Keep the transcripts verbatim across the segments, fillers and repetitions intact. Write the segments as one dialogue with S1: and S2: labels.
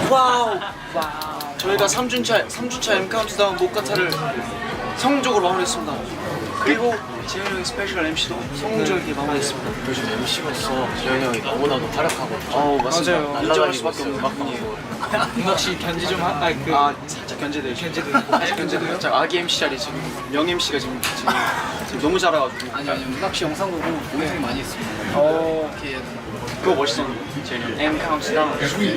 S1: 와우. 와우. 저희가 삼 주차 삼 주차 M 카운트다운 모카타를 성공적으로 마무리했습니다. 그리고 재현이 형의 스페셜 엠시도 성공적이게 마무리했습니다.
S2: 요즘 엠시로서 재현이 형이 너무나도 활약하고
S1: 어 맞습니다.
S2: 맞아요.
S1: 인정할 수밖에 없는 막분이에요.
S3: 혹시 견제 좀 하.. 아니 그..
S1: 아 살짝 견제돼요. 견제도 있고 살짝 견제돼요. 살짝 아기 엠씨 자리 지금 명 엠씨가 지금, 지금, 지금 너무 잘해가지고.
S2: 아니 아니 문학 씨 영상 보고 고생 많이 했습니다.
S1: 어
S2: 이렇게 해야 되나?
S1: 그거 멋있었는데 재현이 형. M 카운트다운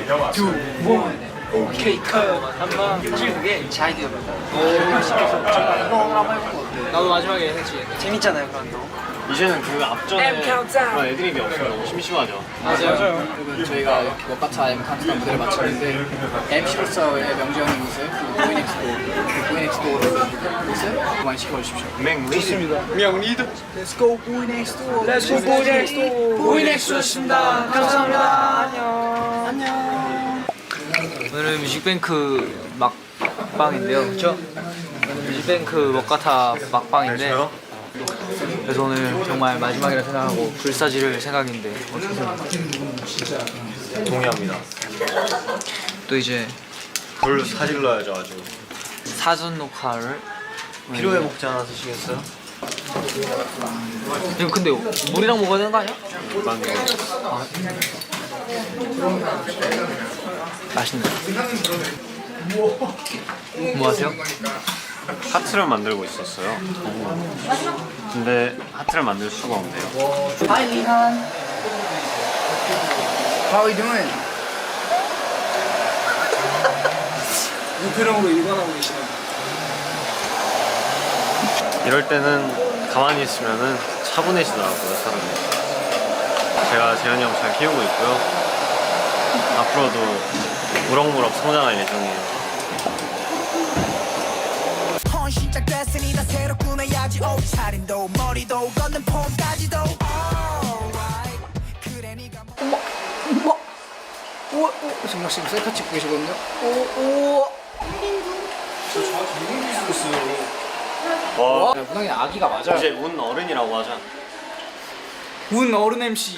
S3: 오케이 커요 한번
S2: 사실 그게 제 아이디어입니다.
S3: 오
S2: 시켜서 제가 이거 한번 해볼 것 같아요.
S3: 나도 마지막에 했지.
S1: 재밌잖아요 그런 거.
S2: 이제는 그 앞전에 그런 애드립이 없으면 너무 심심하죠.
S3: 맞아요.
S2: 그리고 저희가 워카타 M 카운트다운 무대를 마쳤는데 엠시로서의 명재 형의 모습, 그리고 보이넥스도 보이넥스도의 모습 많이 지켜주십시오.
S1: 좋습니다. 명 리드.
S3: Let's go 보이넥스도.
S1: Let's go 보이넥스도.
S3: 보이넥스였습니다. 감사합니다. 안녕. 안녕. 오늘은 뮤직뱅크 막방인데요, 그렇죠? 오늘 뮤직뱅크 워카타 막방인데. 그래서 오늘 정말 마지막이라 생각하고 불사지를 생각인데
S4: 동의합니다.
S3: 또 이제
S4: 불 사질러야죠 아주.
S3: 사전 녹화를
S4: 피로회 먹지 않아 드시겠어요?
S3: 이거 근데 물이랑 먹어야 되는 거 아니야?
S4: 맞네.
S3: 아. 맛있네. 뭐 하세요?
S4: 하트를 만들고 있었어요. 근데 하트를 만들 수가 없네요.
S2: Hi Lihan. How are you doing?
S3: 무표정으로 일관하고 계시네.
S4: 이럴 때는 가만히 있으면은 차분해지더라고요 사람이. 제가 재현이 형 잘 키우고 있고요. 앞으로도 무럭무럭 성장할 예정이에요.
S5: 시작됐으니 다 새로 꾸며야지 옷차림도 머리도 걷는 폼까지도 그래 네가
S2: 어머, 어머, 우와, 오, 정말 지금 셀카 찍고 계시거든요. 오, 오.
S4: 와,
S2: 야, 문학이 아기가 맞아요.
S4: 이제 운 어른이라고 하자.
S3: 운 어른 엠씨.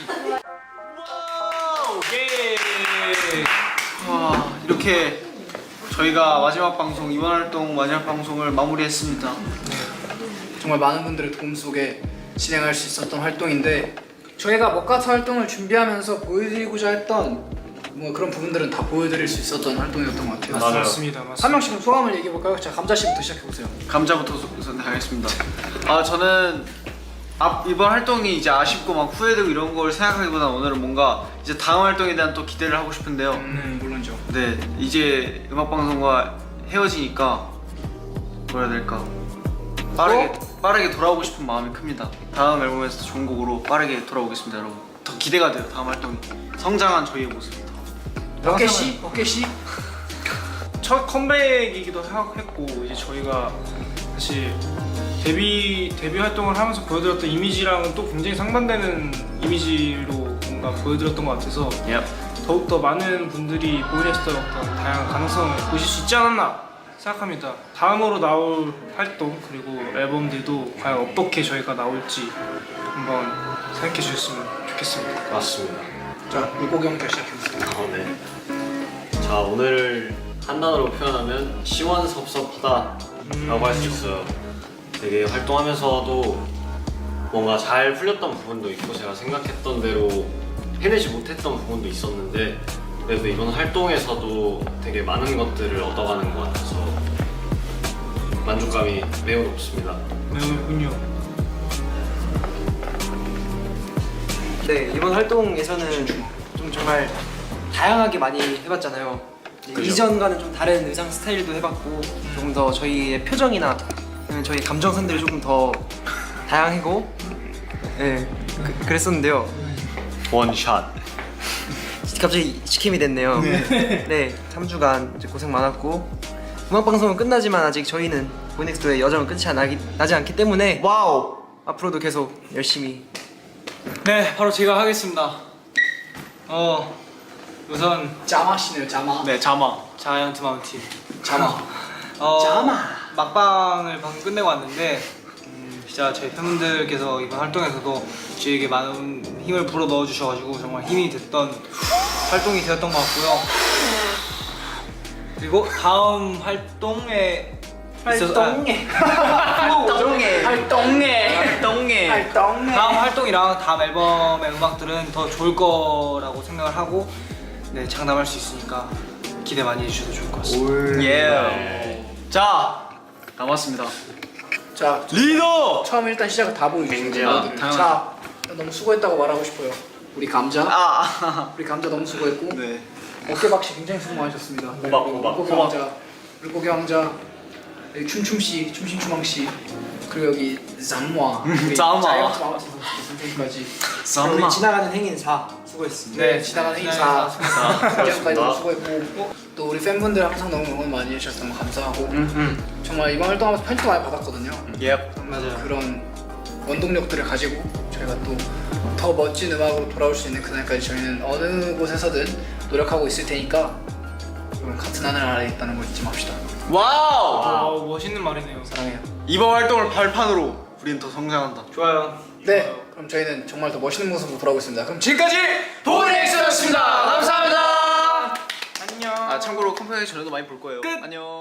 S1: 와 이렇게 저희가 마지막 방송 이번 활동 마지막 방송을 마무리했습니다.
S2: 정말 많은 분들의 도움 속에 진행할 수 있었던 활동인데 저희가 워카타 활동을 준비하면서 보여드리고자 했던 뭐 그런 부분들은 다 보여드릴 수 있었던 활동이었던 것 같아요.
S4: 맞아요.
S3: 맞습니다.
S2: 한 명씩 소감을 얘기해 볼까요? 자, 감자 씨부터 시작해 보세요.
S1: 감자부터 우선 하겠습니다. 아 저는 앞 이번 활동이 이제 아쉽고 막 후회되고 이런 걸 생각하기보다 오늘은 뭔가 이제 다음 활동에 대한 또 기대를 하고 싶은데요.
S2: 음, 물론죠.
S1: 네 이제 음악 방송과 헤어지니까 뭐라 해야 될까 빠르게 빠르게 돌아오고 싶은 마음이 큽니다. 다음 앨범에서 더 좋은 곡으로 빠르게 돌아오겠습니다, 여러분. 더 기대가 돼요. 다음 활동이 성장한 저희의 모습이 더.
S2: 어깨 씨, 어깨 씨.
S6: 첫 컴백이기도 했고 이제 저희가 사실 데뷔 데뷔 활동을 하면서 보여드렸던 이미지랑은 또 굉장히 상반되는 이미지로 뭔가 보여드렸던 것 같아서
S1: Yep.
S6: 더욱더 많은 분들이 보이넥스트의 어떤 다양한 가능성을 보실 수 있지 않았나 생각합니다. 다음으로 나올 활동 그리고 앨범들도 과연 어떻게 저희가 나올지 한번 생각해 주셨으면 좋겠습니다.
S4: 맞습니다.
S2: 자, 물고기 형부터 시작해 보세요.
S4: 아, 네. 자, 오늘 한 단어로 표현하면 시원섭섭하다라고 할 수 있어요. 되게 활동하면서도 뭔가 잘 풀렸던 부분도 있고 제가 생각했던 대로 해내지 못했던 부분도 있었는데 그래도 이번 활동에서도 되게 많은 것들을 얻어가는 것 같아서 만족감이 매우 높습니다.
S6: 매우군요.
S7: 네, 이번 활동에서는 좀 정말 다양하게 많이 해봤잖아요.
S4: 그죠.
S7: 이전과는 좀 다른 의상 스타일도 해봤고 조금 더 저희의 표정이나 아니면 저희 감정선들이 조금 더 다양하고 네, 그, 그랬었는데요.
S4: 원샷.
S7: 갑자기 시킴이 됐네요. 네, 삼 주간 이제 고생 많았고 음악방송은 끝나지만 아직 저희는 보이넥스트의 여정은 끝이 나기, 나지 않기 때문에
S1: 와우.
S7: 앞으로도 계속 열심히
S3: 네, 바로 제가 하겠습니다. 어, 우선
S2: 자마 씨네요, 자마.
S1: 네 자마.
S3: 자이언트 마운틴.
S2: 자마.
S3: 어,
S2: 자마.
S3: 막방을 방금 끝내고 왔는데 음, 진짜 저희 팬분들께서 이번 활동에서도 저희에게 많은 힘을 불어 넣어 주셔가지고 정말 힘이 됐던 활동이 되었던 것 같고요. 그리고 다음 활동에 있어서-
S2: 활동에
S7: 활동에
S2: 활동에
S7: 활동에
S2: 활동에
S3: 다음 활동이랑 다음 앨범의 음악들은 더 좋을 거라고 생각을 하고 네 장담할 수 있으니까 기대 많이 해주셔도 좋을 것 같습니다.
S1: 예. 자 남았습니다.
S2: 자
S1: 리더.
S2: 처음 일단 시작을 다 보여주시는
S4: 맹지야,
S2: 분들.
S1: 당연하죠.
S2: 자 너무 수고했다고 말하고 싶어요. 우리 감자
S1: 아.
S2: 우리 감자 너무 수고했고
S1: 네.
S2: 어깨박씨 굉장히 수고 많으셨습니다.
S4: 호박, 호박,
S2: 물고기
S4: 호박.
S2: 왕자 물고기 왕자 여기 춤춤씨 춤신추망씨 그리고 여기 잠마 우리
S1: 잠마.
S2: 자이언트 마마스 선생님까지
S7: 우리 지나가는 행인사 수고했습니다.
S2: 네 지나가는 행사
S3: 지나가는
S2: 지금까지 너무 수고했고 또 우리 팬분들 항상 너무 응원 많이 해주셔서 너무 감사하고 정말 이번 활동하면서 편지도 많이 받았거든요.
S1: 예.
S3: 맞아요.
S2: 그런 원동력들을 가지고 저희가 또 더 멋진 음악으로 돌아올 수 있는 그날까지 저희는 어느 곳에서든 노력하고 있을 테니까 여러분 같은 하늘 아래에 있다는 걸 잊지 맙시다.
S1: 와우.
S6: 아 멋있는 말이네요.
S2: 사랑해요.
S1: 이번 활동을 발판으로 우리는 더 성장한다.
S3: 좋아요.
S2: 네, 그럼 저희는 정말 더 멋있는 모습으로 돌아오겠습니다. 그럼 지금까지 보이넥스였습니다. 감사합니다.
S6: 안녕.
S1: 아 참고로 컴퓨터에 전에도 많이 볼 거예요.
S6: 끝.
S1: 안녕.